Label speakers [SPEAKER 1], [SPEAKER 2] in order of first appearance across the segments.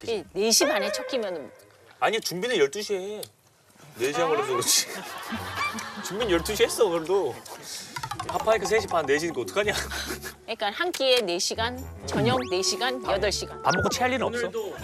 [SPEAKER 1] 4시 반에 첫 끼면
[SPEAKER 2] 아니 준비는 12시에 해. 4시간 걸려서 그렇지. 준비는 12시 했어 그래도. 파파이크 3시 반 4시니까 어떡하냐.
[SPEAKER 1] 그러니까 한 끼에 4시간, 저녁 4시간, 8시간.
[SPEAKER 3] 밥 먹고 체할 일은 없어.
[SPEAKER 2] 오늘도.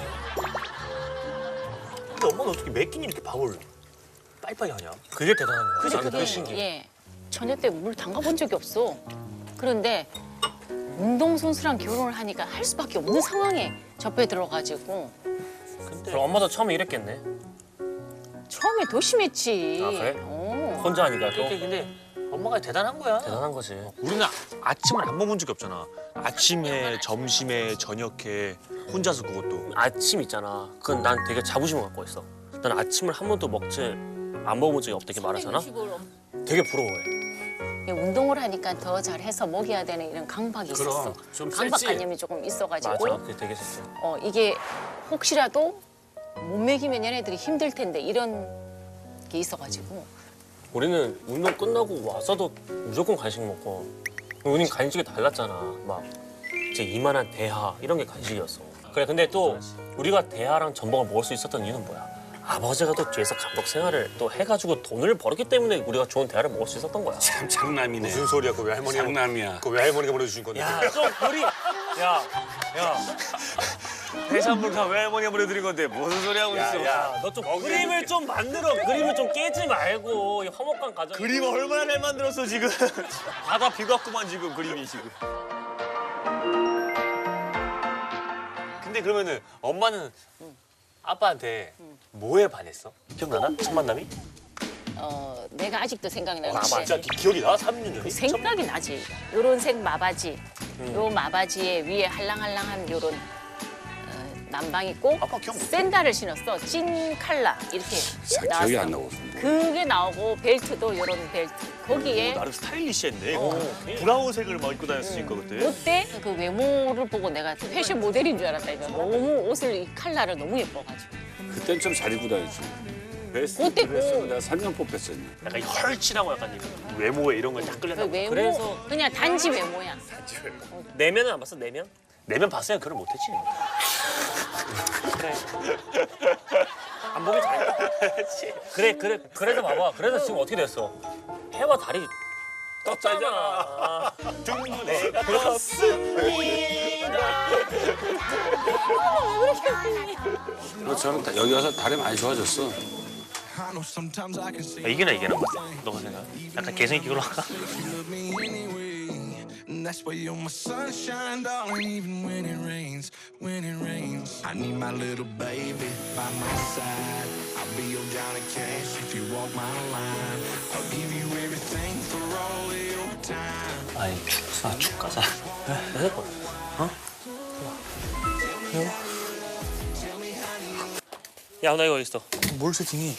[SPEAKER 2] 근데 엄마는 어떻게 매 끼니 이렇게 밥을 빨리빨리 하냐? 그게 대단한 거야.
[SPEAKER 1] 그래서
[SPEAKER 2] 나는 그게 신기해.
[SPEAKER 1] 예, 저녁 때 물 담가본 적이 없어. 그런데 운동선수랑 결혼을 하니까 할 수밖에 없는 상황에 접해 들어가지고
[SPEAKER 3] 그럼 엄마도 처음에 이랬겠네.
[SPEAKER 1] 처음에 더 심했지.
[SPEAKER 3] 아, 그래?
[SPEAKER 1] 어.
[SPEAKER 3] 혼자 하니까 또
[SPEAKER 2] 그러니까 근데 엄마가 대단한 거야.
[SPEAKER 3] 대단한 거지.
[SPEAKER 4] 우리는 아침을 안 먹은 적이 없잖아. 아침에, 점심에, 저녁에 혼자서 그것도.
[SPEAKER 3] 아침 있잖아. 그건 난 되게 자부심을 갖고 있어. 난 아침을 한 번도 안 먹어본 적이 없다 이렇게 말하잖아. 되게 부러워해.
[SPEAKER 1] 운동을 하니까 더 잘해서 먹여야 되는 이런 강박이 있었어.
[SPEAKER 2] 좀
[SPEAKER 1] 강박관념이 조금 있어가지고
[SPEAKER 3] 맞아. 그게 되게 셌어.
[SPEAKER 1] 이게 혹시라도 못 먹이면 얘네들이 힘들 텐데 이런 게 있어가지고
[SPEAKER 3] 우리는 운동 끝나고 와서도 무조건 간식 먹고. 우린 간식이 달랐잖아. 막 이제 이만한 대하 이런 게 간식이었어. 그래 근데 또 우리가 대하랑 전복을 먹을 수 있었던 이유는 뭐야? 아버지가 또 뒤에서 감독 생활을 또 해가지고 돈을 벌었기 때문에 우리가 좋은 대하를 먹을 수 있었던 거야.
[SPEAKER 5] 참 장남이네.
[SPEAKER 2] 무슨 소리야? 그거 왜 할머니가
[SPEAKER 5] 장남이야.
[SPEAKER 2] 그거 왜 할머니가 보내주신 건데?
[SPEAKER 3] 야, 좀 우리 야.
[SPEAKER 2] 해산물가 왜 할머니가 보내드린 건데 무슨 소리 하고 있어?
[SPEAKER 3] 너 좀 그림을 좀 만들어. 그림을 좀 깨지 말고 이 화목한 가정.
[SPEAKER 2] 그림 얼마나 잘 만들었어 지금. 바다 비갔구만 지금 그림이 지금. 근데 그러면은 엄마는 아빠한테 뭐에 반했어? 기억나나? 첫 만남이?
[SPEAKER 1] 내가 아직도 생각이 나는데
[SPEAKER 2] 진짜 기억이 나? 3년 전에?
[SPEAKER 1] 생각이 나지. 요런 색 마바지, 요 마바지에 위에 할랑할랑한 요런 남방 있고
[SPEAKER 2] 아빠 기억 못
[SPEAKER 1] 샌들을 신었어. 찐 칼라 이렇게
[SPEAKER 5] 잘
[SPEAKER 1] 나왔어.
[SPEAKER 5] 기억이 안 나고.
[SPEAKER 1] 그게 나오고 벨트도 요런 벨트. 거기에
[SPEAKER 2] 나름 스타일리시했네. 브라운색을 막 입고 다녔으니까 그때.
[SPEAKER 1] 그때 그 외모를 보고 내가 패션 모델인 줄 알았다니까. 너무 옷을 이 칼라를 너무 예뻐가지고.
[SPEAKER 5] 그땐 좀 잘 입고 다녔지.
[SPEAKER 1] 그때
[SPEAKER 5] 그래서
[SPEAKER 1] 꼭
[SPEAKER 5] 내가 3년 뽑혔었네.
[SPEAKER 2] 약간 헐치라고 약간 외모에 이런 걸 딱
[SPEAKER 1] 그
[SPEAKER 2] 끌렸나 봐.
[SPEAKER 1] 외모
[SPEAKER 3] 그래서-
[SPEAKER 1] 그냥 단지 외모야.
[SPEAKER 3] 내면은 안 봤어? 내면?
[SPEAKER 2] 내면 봤으면 결혼 못했지.
[SPEAKER 3] 그래. 안 보기 잘했지. 그래. 그래서 봐봐. 그래서 지금 어떻게 됐어? 해와 달이 떴잖아.
[SPEAKER 2] 내가
[SPEAKER 5] 그리고 저는 여기 와서 다리 많이 좋아졌어.
[SPEAKER 2] 이게나 이게나 너가 생각? 약간 개성있게 걸어갈까?
[SPEAKER 6] And that's why you're my sunshine, darling, even when it rains, when it rains. I need my little baby by my side. I'll be your Johnny Cash if you walk my line. I'll give you everything for all of your time.
[SPEAKER 3] 아니 축 가자. 내 거야. 야, 나 이거 어디 있어?
[SPEAKER 4] 뭘 세팅해?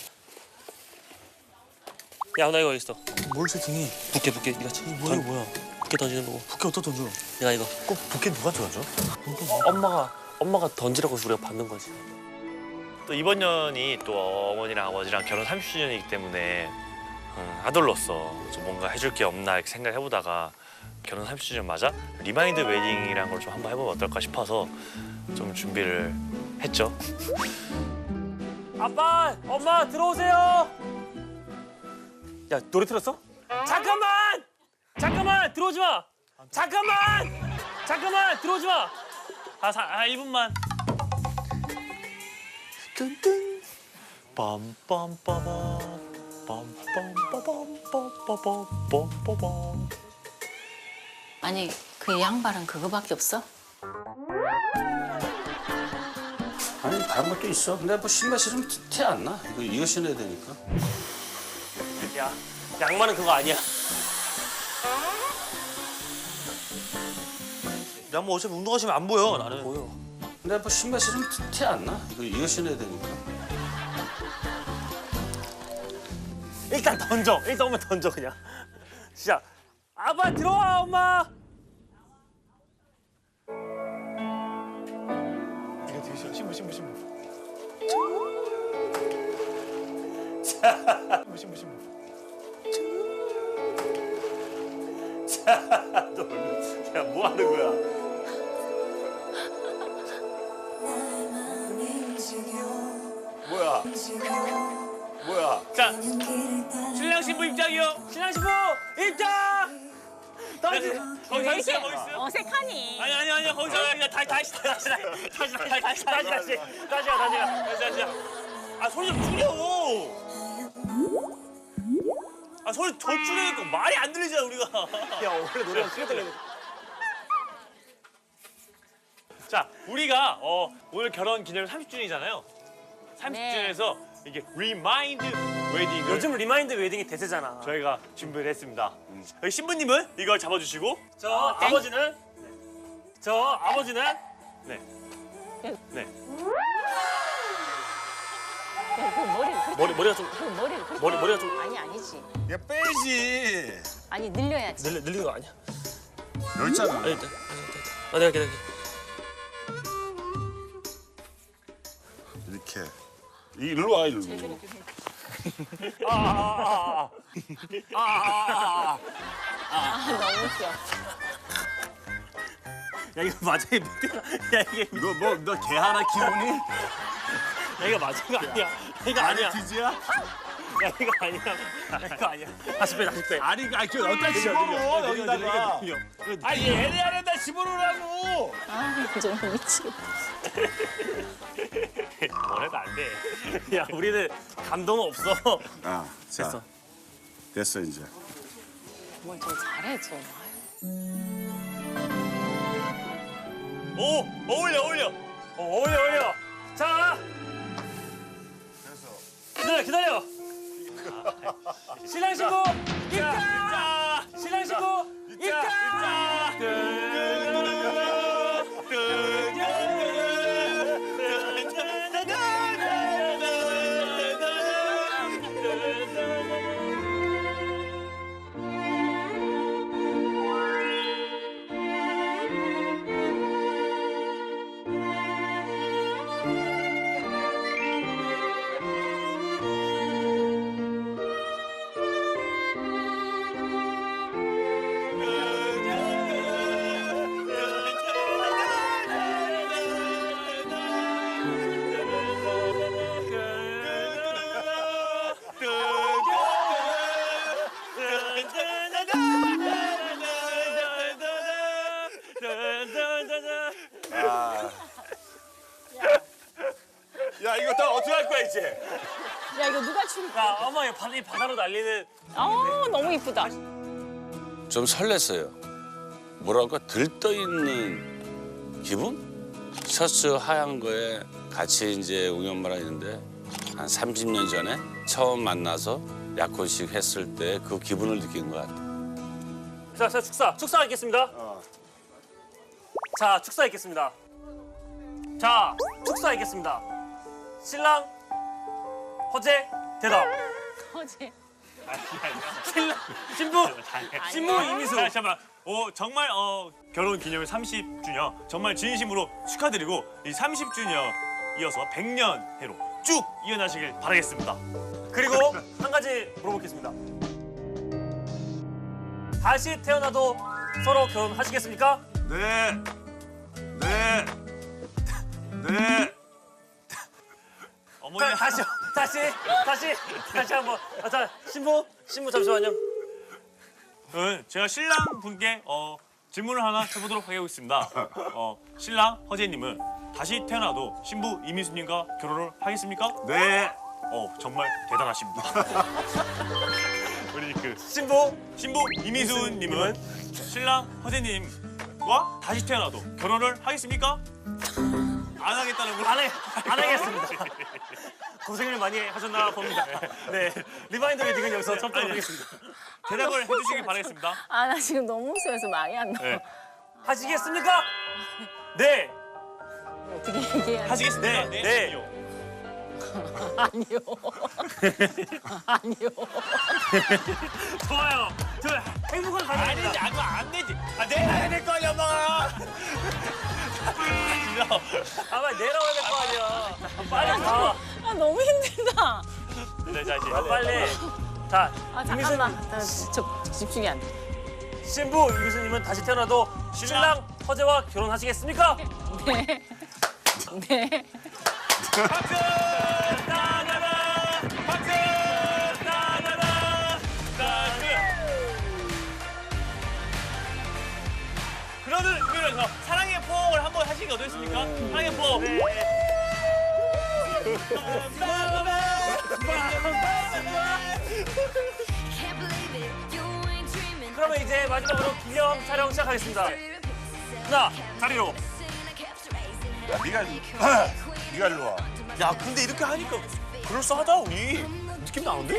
[SPEAKER 3] 야, 나 이거 어디 있어?
[SPEAKER 4] 뭘 세팅해?
[SPEAKER 3] 부케. 네가 치. 뭐야? 부케 던지는 거고.
[SPEAKER 4] 부케 어디다 던져?
[SPEAKER 3] 내가 이거.
[SPEAKER 4] 꼭 부케 누가 던져?
[SPEAKER 3] 엄마가 던지라고 해서 우리가 받는 거지.
[SPEAKER 7] 또 이번 년이 또 어머니랑 아버지랑 결혼 30주년이기 때문에 아들로서 좀 뭔가 해줄 게 없나 이렇게 생각해보다가 결혼 30주년 맞아 리마인드 웨딩이라는 걸 좀 한번 해보면 어떨까 싶어서 좀 준비를 했죠.
[SPEAKER 3] 아빠, 엄마 들어오세요.
[SPEAKER 2] 야 노래 틀었어?
[SPEAKER 3] 잠깐만 들어오지 마. 잠깐만 들어오지 마. 1분만.
[SPEAKER 2] 뜬뜬 빰빰빠밤 빰빰빠밤
[SPEAKER 1] 아니 그 양말은 그거밖에 없어?
[SPEAKER 5] 아니 다른 것도 있어. 근데 뭐 신발 신으면 티 안 나. 이거 신어야 되니까.
[SPEAKER 3] 야, 양말은 그거 아니야.
[SPEAKER 2] 야 뭐 어차피 운동하시면 안 보여 나는.
[SPEAKER 3] 보여.
[SPEAKER 5] 근데 뭐 신발 신으면 티 안 나. 이거 신어야 되니까.
[SPEAKER 3] 일단 던져. 일단 오면 던져 그냥. 진짜. 아빠 들어와 엄마.
[SPEAKER 2] 이거 되게 신부. 야 뭐 하는 거야? 뭐야?
[SPEAKER 3] 자, 신랑 신부 입장이요. 신랑 신부 입장. 거기 서 있어요. 거기 있어요.
[SPEAKER 1] 어색하니.
[SPEAKER 3] 아니 거기서 그냥 다시. 아 소리 좀 줄여. 아 소리 더 줄여니까 말이 안 들리잖아 우리가.
[SPEAKER 2] 야 원래 노래가 크게 들리는.
[SPEAKER 7] 자, 우리가 오늘 결혼 기념 30주년이잖아요. 30주년에서 이게 리마인드 웨딩을
[SPEAKER 3] 요즘 리마인드 웨딩이 대세잖아.
[SPEAKER 7] 저희가 준비를 했습니다. 여기 신부님은 이걸 잡아주시고
[SPEAKER 3] 저 아버지는
[SPEAKER 7] 네.
[SPEAKER 1] 그 머리를
[SPEAKER 3] 머리가 좀
[SPEAKER 1] 그 머리를 그렇게
[SPEAKER 3] 머리가 좀
[SPEAKER 1] 아니 아니지.
[SPEAKER 8] 얘 빼지.
[SPEAKER 1] 아니 늘려야지.
[SPEAKER 3] 늘리는 거 아니야?
[SPEAKER 8] 열잖아.
[SPEAKER 3] 아니, 내가 기다려.
[SPEAKER 8] 이렇게. 일로 와 일로.
[SPEAKER 1] 너무 웃겨.
[SPEAKER 3] 야 이거 맞아 야 이게
[SPEAKER 8] 이거 뭐 너 개 하나 키우니?
[SPEAKER 3] 야 이거 맞은 거 아니야? 이거 아니야.
[SPEAKER 8] 뒤지야?
[SPEAKER 3] 야 이거 아니야. 이거 아니야. 다시 빼.
[SPEAKER 8] 아니 그 어디다 집어넣어 여기다가. 아니 얘네 안에다 집어넣으라고.
[SPEAKER 1] 아 정말 미치겠다.
[SPEAKER 3] 뭐래도 안 돼. 야 우리는 감동 없어.
[SPEAKER 8] 아, 자,
[SPEAKER 3] 됐어.
[SPEAKER 8] 됐어 이제.
[SPEAKER 1] 뭘 좀 잘해 좀.
[SPEAKER 3] 오 어울려. 어울려. 자. 기다려. 신랑 신부 입장. 신랑 신부 입장.
[SPEAKER 8] 야 이거 다 어떻게 할 거야 이제?
[SPEAKER 1] 야 이거 누가 춤?
[SPEAKER 3] 야 어머 이 바다로 날리는.
[SPEAKER 1] 너무 이쁘다.
[SPEAKER 5] 좀 설렜어요. 뭐랄까 들떠 있는 기분? 셔츠 하얀 거에 같이 이제 우리 엄마랑 있는데 한 30년 전에 처음 만나서 약혼식 했을 때 그 기분을 느낀 것 같아.
[SPEAKER 3] 자 축사 있겠습니다. 자 축사 있겠습니다. 신랑 허재 대답.
[SPEAKER 1] 어제
[SPEAKER 3] 신랑 신부 이미수.
[SPEAKER 7] 잠깐만. 정말 결혼 기념일 30주년 정말 진심으로 축하드리고 이 30주년 이어서 100년 해로 쭉 이어나시길 바라겠습니다.
[SPEAKER 3] 그리고 한 가지 물어보겠습니다. 다시 태어나도 서로 결혼하시겠습니까?
[SPEAKER 8] 네.
[SPEAKER 7] 어머니
[SPEAKER 3] 다시 한번. 자 신부 잠시만요.
[SPEAKER 7] 제가 신랑 분께 질문을 하나 해보도록 하겠습니다. 신랑 허재님은 다시 태어나도 신부 이미수님과 결혼을 하겠습니까?
[SPEAKER 8] 네.
[SPEAKER 7] 정말 대단하십니다. 우리 그
[SPEAKER 3] 신부
[SPEAKER 7] 이미수님은 신랑 허재님과 다시 태어나도 결혼을 하겠습니까? 안 하겠다는 걸.
[SPEAKER 3] 안 하겠습니다. 고생을 많이 하셨나 봅니다. 네, 리마인드 웨딩은 여기서 접도록 하겠습니다.
[SPEAKER 7] 대답을 해주시길 바라겠습니다.
[SPEAKER 1] 아 나 지금 너무 웃어서 말이 안 나와.
[SPEAKER 7] 네.
[SPEAKER 3] 하시겠습니까? 네.
[SPEAKER 1] 어떻게 얘기해야 지
[SPEAKER 7] 하시겠습니다.
[SPEAKER 3] 네.
[SPEAKER 1] 아니요. 아니요.
[SPEAKER 3] 좋아요. 행복한 가정입니다.
[SPEAKER 7] 이거 안 되지. 내가 해야 될 거 아니야, 엄마가.
[SPEAKER 3] 빨리 내려와야 될 거 아니야. 빨리 가.
[SPEAKER 1] 아 너무 힘들다.
[SPEAKER 7] 네, 자, 이제
[SPEAKER 3] 빨리. 자,
[SPEAKER 1] 아 잠깐만. 나 진짜 집중이 안 돼.
[SPEAKER 3] 신부 이미수님은 다시 태어나도 신랑 허재와 결혼하시겠습니까?
[SPEAKER 1] 네. 네.
[SPEAKER 7] 박수! 하시니까 어떠십니까? 하얀 법.
[SPEAKER 3] 그러면 이제 마지막으로 기념 촬영 시작하겠습니다. 하나, 자리로.
[SPEAKER 8] 네가 일로 와.
[SPEAKER 2] 야 근데 이렇게 하니까 그럴싸하다 우리. 느낌 나는데?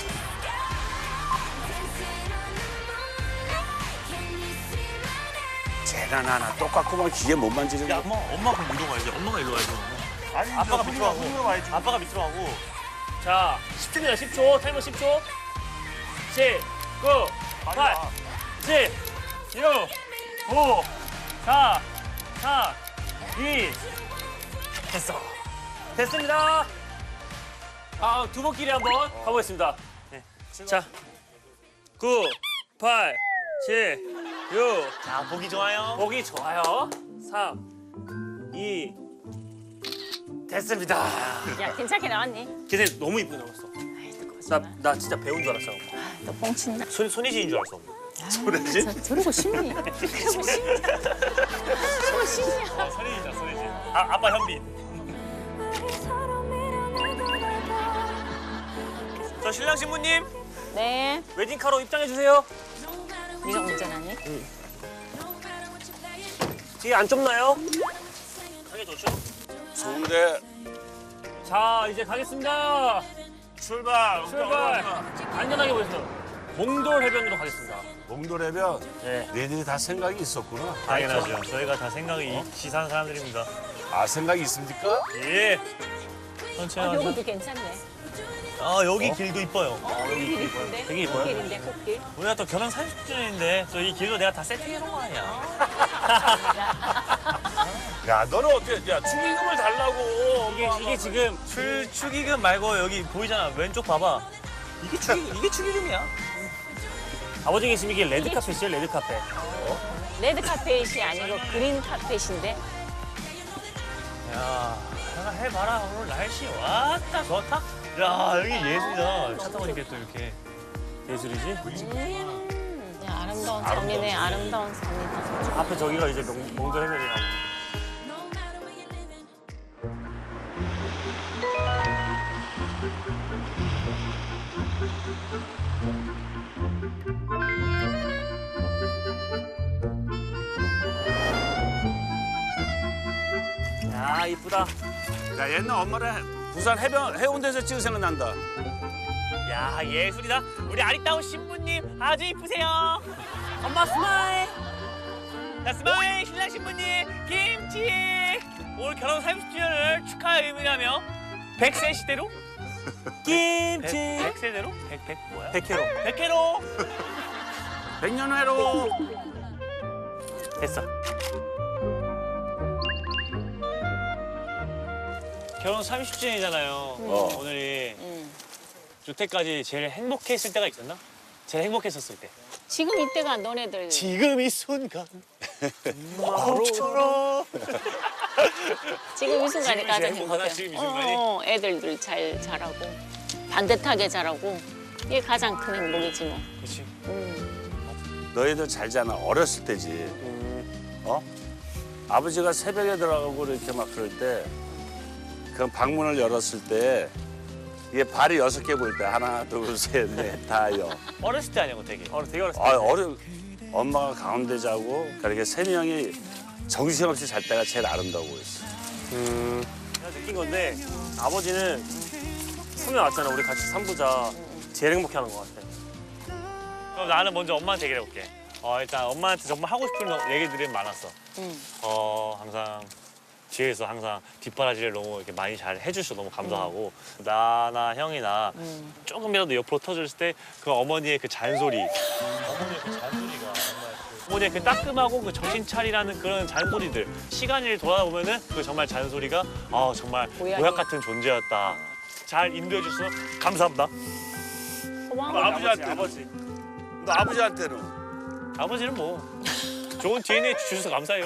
[SPEAKER 5] 쟤나 나나 똑같구만 기계 못 만지는 거.
[SPEAKER 2] 엄마 그럼 이리 와야지. 엄마가 이리 와야지.
[SPEAKER 8] 아니
[SPEAKER 7] 아빠가 밑으로 하고.
[SPEAKER 8] 와야지.
[SPEAKER 7] 아빠가 밑으로 하고.
[SPEAKER 3] 자, 10초입니다. 10초. 타이머 10초. 10, 9, 8, 7, 6, 5, 4, 3, 2. 됐어. 됐습니다. 아, 두 번끼리 한번 가보겠습니다. 네. 자, 9, 8, 7, 6.
[SPEAKER 7] 자, 보기 좋아요.
[SPEAKER 3] 보기 좋아요. 3, 2. 됐습니다.
[SPEAKER 1] 야 괜찮게 나왔니?
[SPEAKER 3] 걔네 너무 이쁘게 나왔어.
[SPEAKER 1] 아이 또 거짓말.
[SPEAKER 3] 나 진짜 배운 줄 알았어.
[SPEAKER 1] 또 뻥친다.
[SPEAKER 7] 손예진인 줄 알았어.
[SPEAKER 1] 저러고 싶니? 그러고 싶냐? 그러고 싶냐?
[SPEAKER 7] 손예진이다, 손예진. 아빠 현빈. 저 신랑 신부님
[SPEAKER 1] 네.
[SPEAKER 3] 웨딩카로 입장해 주세요.
[SPEAKER 1] 네가 운전하니?
[SPEAKER 3] 뒤에 안 좁나요? 가게 좋죠?
[SPEAKER 5] 좋은데
[SPEAKER 3] 자, 이제 가겠습니다.
[SPEAKER 8] 출발.
[SPEAKER 3] 출발. 안전하게 보세요. 몽돌 해변으로 가겠습니다.
[SPEAKER 5] 몽돌해변
[SPEAKER 3] 네.
[SPEAKER 5] 너희들이 다 생각이 있었구나.
[SPEAKER 7] 당연하죠. 저희가 다 생각이 시사하는 사람들입니다.
[SPEAKER 5] 아 생각이 있습니까?
[SPEAKER 7] 예. 천천히 하자.
[SPEAKER 1] 여기도 괜찮네.
[SPEAKER 7] 아, 여기 길도 이뻐요.
[SPEAKER 1] 길 이쁜데?
[SPEAKER 3] 되게 이뻐요?
[SPEAKER 1] 꽃길인데 꽃길.
[SPEAKER 7] 우리가 또 결혼 30주년인데 저 이 길도 내가 다 세팅해 놓은 거 아니야.
[SPEAKER 8] 야 너는 어떻게? 야 축의금을 달라고.
[SPEAKER 3] 이게 지금
[SPEAKER 7] 축의금 말고 여기 보이잖아. 왼쪽 봐봐. 이게 축의금이야.
[SPEAKER 3] 아버지 계시면 이게 레드 카펫이에요, 레드 카펫.
[SPEAKER 1] 레드 카펫이 아니고 그린 카펫인데.
[SPEAKER 7] 야, 내가 해봐라. 오늘 날씨 왔다 좋다. 야, 여기 예술이다. 차 타고 이렇게 또 이렇게.
[SPEAKER 3] 예술이지?
[SPEAKER 1] 야, 아름다운 섬이네. 아름다운 섬이다.
[SPEAKER 3] 앞에 저기가 이제 몽돌 해변이야. 야, 이쁘다.
[SPEAKER 5] 야 옛날 엄마를 부산 해운대에서 찍은 생각난다.
[SPEAKER 7] 야, 예술이다. 우리 아리따운 신부님 아주 이쁘세요. 엄마 스마일. 자, 스마일 신랑 신부님 김치. 오늘 결혼 30주년을 축하의 의미라며 100세 시대로?
[SPEAKER 3] 김치.
[SPEAKER 7] 100세대로? 100 뭐야?
[SPEAKER 3] 100회로.
[SPEAKER 7] 100회로.
[SPEAKER 5] 100년 회로.
[SPEAKER 3] 됐어.
[SPEAKER 7] 결혼 30주년이잖아요. 오늘이 여태까지 제일 행복했을 때가 있었나? 제일 행복했었을 때.
[SPEAKER 1] 지금 이때가 너네들
[SPEAKER 7] 지금 이 순간. 마음처럼.
[SPEAKER 1] 지금 이 순간이 가장
[SPEAKER 7] 행복하다,
[SPEAKER 1] 행복해.
[SPEAKER 7] 지금 이 순간이?
[SPEAKER 1] 애들들 잘 자라고 반듯하게 자라고 이게 가장 큰 행복이지 뭐.
[SPEAKER 7] 그렇지.
[SPEAKER 5] 너희들 잘 자나 어렸을 때지. 어? 아버지가 새벽에 들어가고 이렇게 막 그럴 때 그 방문을 열었을 때 이게 발이 6개 보일 때 하나 둘 셋 넷 다여.
[SPEAKER 7] 어렸을 때 아니고 되게.
[SPEAKER 3] 되게 어렸을
[SPEAKER 5] 아 엄마가 가운데 자고 그렇게 3명이 정신없이 잘 때가 제일 아름다워 보였어.
[SPEAKER 3] 내가 느낀 건데 아버지는 성명 왔잖아. 우리 같이 산보자. 제일 행복해하는 것 같아.
[SPEAKER 7] 그럼 나는 먼저 엄마한테 얘기를 해볼게. 일단 엄마한테 정말 하고 싶은 얘기들이 많았어. 항상 뒤에서 항상 뒷바라지를 너무 이렇게 많이 잘 해주셔서 너무 감사하고 나나 형이나 조금이라도 옆으로 터졌을 때 그 어머니의 그 잔소리. 어머니의 그 잔소리가 정말 어머니의 그 따끔하고 그 정신 차리라는 그런 잔소리들. 시간을 돌아보면은 그 정말 잔소리가 정말 보약 같은 존재였다. 잘 인도해 주셔서 감사합니다.
[SPEAKER 1] 고마워.
[SPEAKER 5] 아버지. 너 아버지한테는?
[SPEAKER 7] 아버지는 뭐 좋은 DNA 주셔서 감사해요.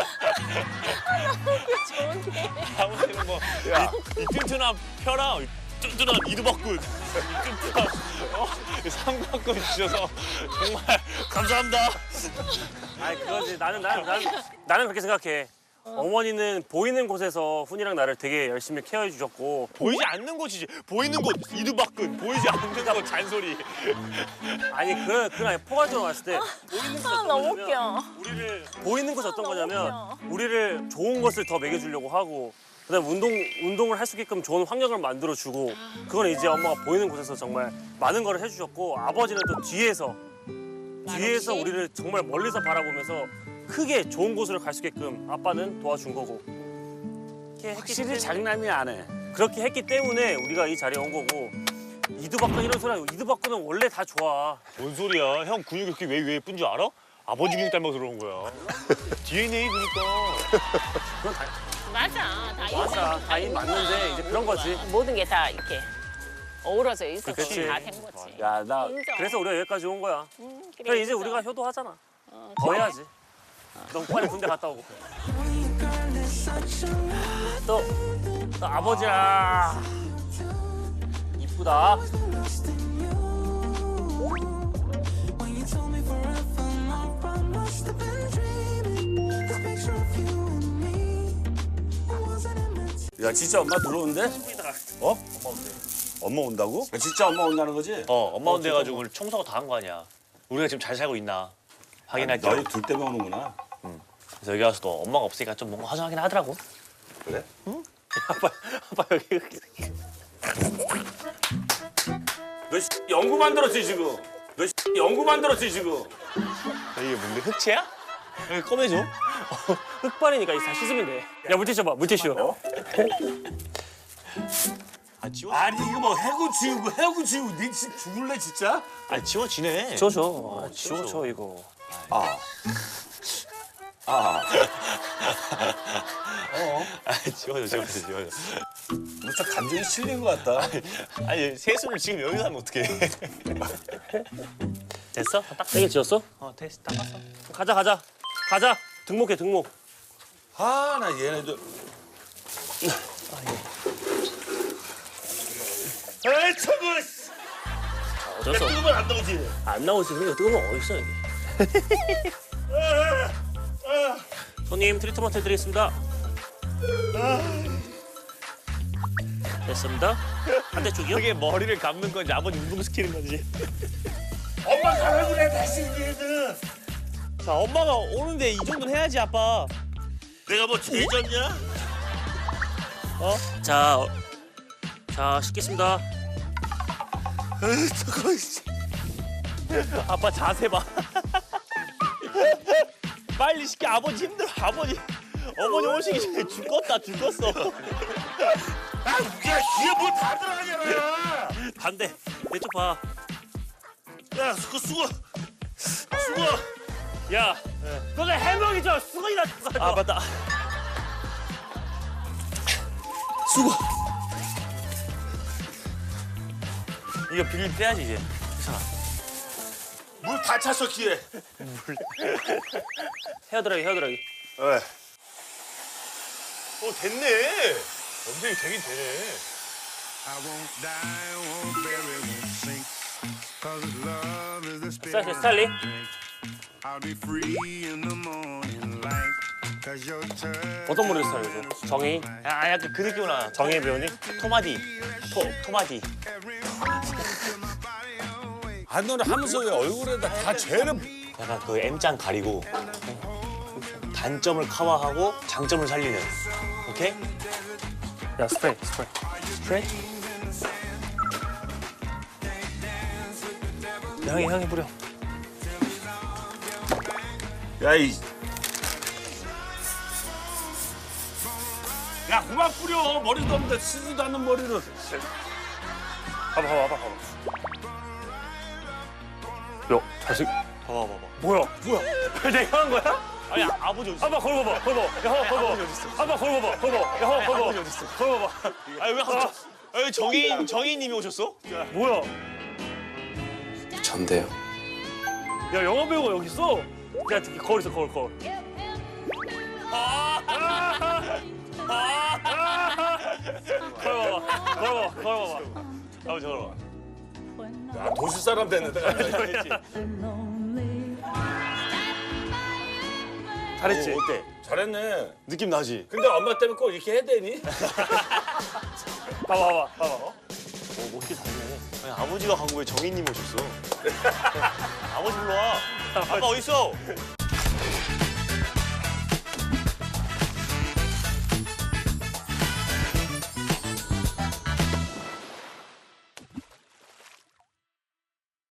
[SPEAKER 1] 좋은데.
[SPEAKER 7] 아버지는 뭐 이 튼튼한 뼈랑 튼튼한 이두박군 튼튼한 삼각군 주셔서 정말 감사합니다.
[SPEAKER 3] 아니 그거지. 나는 그렇게 생각해. 어머니는 보이는 곳에서 훈이랑 나를 되게 열심히 케어해 주셨고
[SPEAKER 7] 보이지 않는 곳이지. 보이는 곳 이두박군, 보이지 않는 곳 잔소리.
[SPEAKER 3] 아니 그건 아니 포괄적으로 봤을 때 보이는 곳이 어떤
[SPEAKER 9] 너무
[SPEAKER 3] 거냐면
[SPEAKER 9] 웃겨.
[SPEAKER 3] 우리를 보이는 곳이 어떤 거냐면 우리를 좋은 것을 더 먹여주려고 하고 그다음에 운동을 할 수 있게끔 좋은 환경을 만들어 주고 그건 이제 엄마가 보이는 곳에서 정말 많은 걸 해주셨고 아버지는 또 뒤에서 우리를 정말 멀리서 바라보면서 크게 좋은 곳으로 갈 수 있게끔 아빠는 도와준 거고 그렇게 했기
[SPEAKER 5] 확실히
[SPEAKER 3] 때문에
[SPEAKER 5] 장난이 안 해.
[SPEAKER 3] 그렇게 했기 때문에 우리가 이 자리에 온 거고 이두박근 이런 소리 아니고 이두박근은 원래 다 좋아.
[SPEAKER 7] 뭔 소리야? 형 근육이 그렇게 왜 예쁜 줄 알아? 아버지 근육 닮아서 그런 거야. DNA 그니까.
[SPEAKER 3] 그건 다
[SPEAKER 1] 맞아. 다
[SPEAKER 3] 맞아. 다이 맞는데 이제 그런 거지.
[SPEAKER 1] 모든 게 다 이렇게 어우러져 있어서
[SPEAKER 3] 그치.
[SPEAKER 1] 다 된 거지.
[SPEAKER 5] 야, 나
[SPEAKER 1] 인정.
[SPEAKER 3] 그래서 우리가 여기까지 온 거야.
[SPEAKER 1] 그래,
[SPEAKER 3] 그래 이제
[SPEAKER 1] 인정.
[SPEAKER 3] 우리가 효도하잖아. 더 해야지. 너 빨리 군대 갔다 오고. 또 아버지야. 이쁘다.
[SPEAKER 5] 야, 진짜 엄마 들어온대?
[SPEAKER 7] 어? 엄마 온다고?
[SPEAKER 5] 야, 진짜 엄마 온다는 거지?
[SPEAKER 7] 엄마 온대 가지고 오늘 청소가 다 한 거 아니야. 우리가 지금 잘 살고 있나 확인할 겸.
[SPEAKER 5] 너희 둘 때문에 오는구나.
[SPEAKER 7] 그래서 여기 와서 또 엄마가 없으니까 좀 뭔가 허전하긴 하더라고.
[SPEAKER 5] 그래?
[SPEAKER 3] 아빠 여기. 너 연구 만들었지 지금. 너 연구 만들었지 지금.
[SPEAKER 7] 이게 뭔데 흑채야? 여기 꺼내줘.
[SPEAKER 3] 흑발이니까 이거 다 씻으면 돼. 야 물티슈 봐 물티슈.
[SPEAKER 7] 아 지워?
[SPEAKER 8] 아니 이거 뭐 해고 지우고 니 진짜 죽을래 진짜?
[SPEAKER 7] 아 지워지네.
[SPEAKER 3] 지워줘. 지워줘 이거.
[SPEAKER 7] 아 지워져.
[SPEAKER 5] 무척 감정이 실린 것 같다.
[SPEAKER 7] 아니 세수를 지금 여기서 하면 어떡해. 됐어? 딱
[SPEAKER 3] 세게 지웠어?
[SPEAKER 7] 됐어. 닦았어.
[SPEAKER 3] 가자. 등목해 등목.
[SPEAKER 5] 아, 나 얘네들.
[SPEAKER 8] 에이 저거
[SPEAKER 3] 어쩔 수 없어.
[SPEAKER 8] 뜨거면 안 나오지.
[SPEAKER 3] 안 나오지. 이거 뜨거우면 어딨어 여기. 손님 트리트먼트 해드리겠습니다. 됐습니다. 반대쪽이요?
[SPEAKER 7] 그게 머리를 감는 건지 아버지 운동시키는 건지.
[SPEAKER 8] 엄마 가라 그래 다시 얘는.
[SPEAKER 7] 자 엄마가 오는데 이 정도는 해야지 아빠.
[SPEAKER 8] 내가 뭐 제졌냐?
[SPEAKER 3] 자 씻겠습니다.
[SPEAKER 8] 저거 씨.
[SPEAKER 7] 아빠 자세 봐. 빨리 시켜. 아버지 힘들어. 어머니 오시기 전에 죽었어.
[SPEAKER 8] 아 야, 귀에 뭐 다 들어가잖아.
[SPEAKER 3] 반대. 내 쪽 봐.
[SPEAKER 8] 야, 그 수고.
[SPEAKER 3] 야, 너네 해명이죠. 수건이나 가져.
[SPEAKER 7] 아 맞다. 이거 비닐 빼야지 이제.
[SPEAKER 8] 물 다 찼어 귀에.
[SPEAKER 3] 헤어드라이기.
[SPEAKER 8] 왜?
[SPEAKER 7] 됐네. 염색이 되긴 되네.
[SPEAKER 6] I won't die, won't bury, won't sink. 'Cause love is the spirit
[SPEAKER 3] 스타일리.
[SPEAKER 6] I drink. I'll be free in the morning light. 'Cause your touch.
[SPEAKER 3] 어떤 머리 스타일이죠? 정희,
[SPEAKER 7] 아 약간 그 느낌으로 나.
[SPEAKER 3] 정희 배우님.
[SPEAKER 7] 토마디. 토마디.
[SPEAKER 5] 아, 너는 하면서 왜 얼굴에다 다 죄는.
[SPEAKER 7] 약간 그 M자 가리고 단점을 커버하고 장점을 살리는. 오케이?
[SPEAKER 3] 야 스프레이.
[SPEAKER 7] 향이 뿌려.
[SPEAKER 8] 야, 야, 그만 뿌려. 머리도 없는데 쓰지도 않는 머리를.
[SPEAKER 3] 봐봐. 야, 자식.
[SPEAKER 7] 봐봐.
[SPEAKER 3] 뭐야? 내가 한 거야?
[SPEAKER 7] 아니 아버지 어디 있어?
[SPEAKER 3] 아빠 거울 봐봐. 야, 거울 봐봐. 아빠 거울 봐봐. 야, 거울 봐봐.
[SPEAKER 7] 아니 왜 갑자기? 아니 정혜인님이 오셨어?
[SPEAKER 3] 뭐야?
[SPEAKER 5] 전데요.
[SPEAKER 3] 야, 영화 배우가 여기 있어. 야, 거울 있어, 거울. 거울 봐봐.
[SPEAKER 7] 걸어봐. 아버지 걸어봐.
[SPEAKER 8] 야, 도시 사람 됐는데.
[SPEAKER 2] 잘했지?
[SPEAKER 8] 어때? 잘했네.
[SPEAKER 2] 느낌 나지?
[SPEAKER 8] 근데 엄마 때문에 꼭 이렇게 해야 되니?
[SPEAKER 7] 봐봐.
[SPEAKER 2] 멋있게 잘해. 아니, 아버지가 간 거에 정인님 오셨어. 아버지 불러와. 아빠 어디 있어?